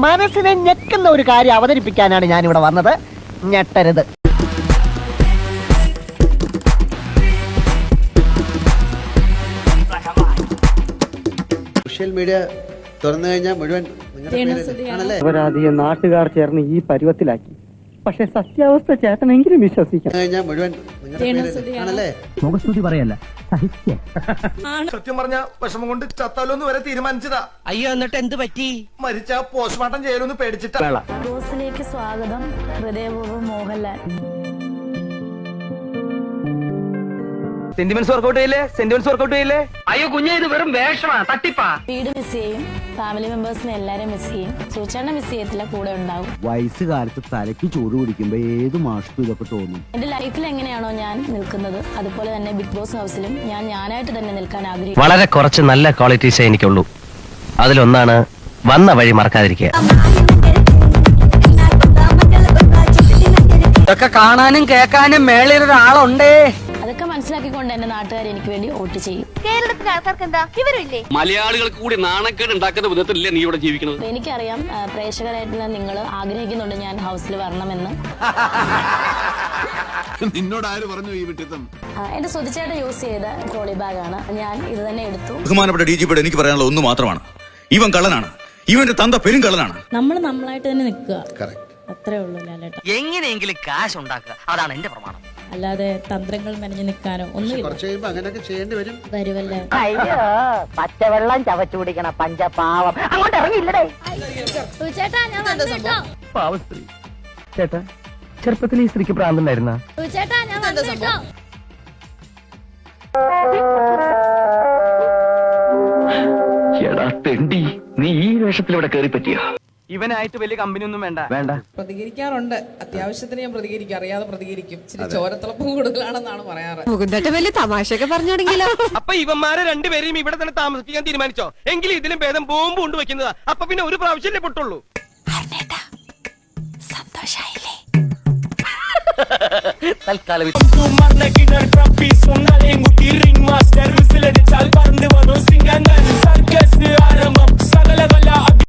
മനസ്സിനെ ഞെക്കുന്ന ഒരു കാര്യം അവതരിപ്പിക്കാനാണ് ഞാൻ ഇവിടെ വന്നത്. ഞെട്ടരുത്. സോഷ്യൽ മീഡിയ തുറന്നു കഴിഞ്ഞാൽ മുഴുവൻ അവരാധികം നാട്ടുകാർ ചേർന്ന് ഈ പരുവത്തിലാക്കി. പക്ഷെ സത്യാവസ്ഥ ചേട്ടനെങ്കിലും വിശ്വസിക്കാം. മുഴുവൻ ആണല്ലേ. മുഖസ്തുതി പറയല്ല, സത്യം പറഞ്ഞ വിഷമം കൊണ്ട് ചത്താലോന്ന് വരെ തീരുമാനിച്ചതാ. അയ്യോ, എന്നിട്ട് എന്ത് പറ്റി? മരിച്ച പോസ്റ്റ്മോർട്ടം ചെയ്യലൊന്ന് പേടിച്ചിട്ടാ. ബോസിലേക്ക് സ്വാഗതം. ഹൃദയപൂർവ്വം മോഹൻലാൽ. സെന്റിമെന്റ്സ് വർക്കൗട്ട് ചെയ്യില്ലേ? അയ്യോ കുഞ്ഞെ, ഇത് വെറും വേഷമാ, തട്ടിപ്പാ. വീട് മിസ് ചെയ്യും, ഫാമിലി മെമ്പേഴ്സിനെ എല്ലാരും മിസ് ചെയ്യും. സൂചന മിസ് ചെയ്യത്തില്ല, കൂടെ ഉണ്ടാവും. വയസ്സുകാലത്ത് തലയ്ക്ക് ചൂട് പിടിക്കുമ്പോ ഏത് മാഷും ഇതൊക്കെ തോന്നും. എന്റെ ലൈഫിൽ എങ്ങനെയാണോ ഞാൻ നിൽക്കുന്നത്, അതുപോലെ തന്നെ ബിഗ് ബോസ് ഹൗസിലും ഞാൻ ഞാനായിട്ട് തന്നെ നിൽക്കാൻ ആഗ്രഹിക്കുന്നു. വളരെ കുറച്ച് നല്ല ക്വാളിറ്റീസേ എനിക്കുള്ളൂ. അതിലൊന്നാണ് വന്ന വഴി മറക്കാതിരിക്കുക. ഇതൊക്കെ കാണാനും കേൾക്കാനും മേളിലൊരാളുണ്ടേ. അതൊക്കെ മനസ്സിലാക്കിക്കൊണ്ട് എന്റെ നാട്ടുകാർ എനിക്ക് വേണ്ടി വോട്ട് ചെയ്യും. കേരളത്തിലെ ആൾക്കാർക്ക് എന്താ ഇവരില്ലേ? മലയാളികൾക്ക് കൂടി നാണക്കേട് ഉണ്ടാക്കുന്ന വിധത്തിലല്ലേ നീ ഇവിടെ ജീവിക്കുന്നത്? എനിക്കറിയാം പ്രേക്ഷകരായിട്ടുള്ള നിങ്ങൾ ആഗ്രഹിക്കുന്നുണ്ട് ഞാൻ ഹൗസിൽ വരണമെന്ന്. നിന്നോട് ആര് പറഞ്ഞു ഈ വിട്ടിത്തം? എന്റെ സുധിച്ചേട്ടൻ യൂസ് ചെയ്ത ട്രോളി ബാഗാണ്. ഞാൻ ഇത് തന്നെ എടുത്തു. ബഹുമാനപ്പെട്ട DGP എനിക്ക് പറയാനുള്ള ഒന്ന് മാത്രമാണ്, ഇവൻ കള്ളനാണ്, ഇവന്റെ തന്ത പെരും കള്ളനാണ്. നമ്മൾ നമ്മളായിട്ട് തന്നെ നിൽക്കുക, അത്രേ ഉള്ളൂ ലാലേട്ട. എങ്ങനെയെങ്കിലും കാശ് ഉണ്ടാക്കുക, അതാണ് എന്റെ പ്രമാണം. അല്ലാതെ തന്ത്രങ്ങൾ മെനഞ്ഞു നിൽക്കാനോ ഒന്നുമില്ല. കുറച്ച് കഴിയുമ്പോ അങ്ങനെയൊക്കെ ചെയ്യേണ്ടി വരും. വരുമല്ലേ. അയ്യോ, പച്ചവെള്ളം ചവച്ചു കുടിക്കണ പഞ്ചപാവം. അങ്ങോട്ട് ഇറങ്ങിയില്ലടേ. പാവസ്ത്രീ. ചേട്ടാ, ചെറുപ്പത്തിൽ ഈ സ്ത്രീക്ക് പ്രാന്തണ്ടായിരുന്ന? എടാ തെണ്ടി, നീ ഈ വേഷത്തിൽ ഇവിടെ കയറി പറ്റിയ? ഇവനായിട്ട് വലിയ കമ്പനി ഒന്നും വേണ്ട. പ്രതികരിക്കാറുണ്ട്, അത്യാവശ്യത്തിന് ഞാൻ പ്രതികരിക്കും, അറിയാതെ പ്രതികരിക്കും. ഇച്ചിരി ചോരത്തിളപ്പം കൂടുതലാണെന്നാണ് പറയാറ്. വലിയ തമാശയൊക്കെ പറഞ്ഞോടെങ്കിലോ. അപ്പൊ ഇവന്മാരെ രണ്ടുപേരെയും ഇവിടെ തന്നെ താമസിപ്പിക്കാൻ തീരുമാനിച്ചോ? എങ്കിലും ഇതിലും ഭേദം ബോംബ് കൊണ്ട് വെക്കുന്നതാ. അപ്പൊ പിന്നെ ഒരു പ്രാവശ്യമല്ലേ പൊട്ടുള്ളൂ. സന്തോഷായില്ലേ? തൽക്കാലം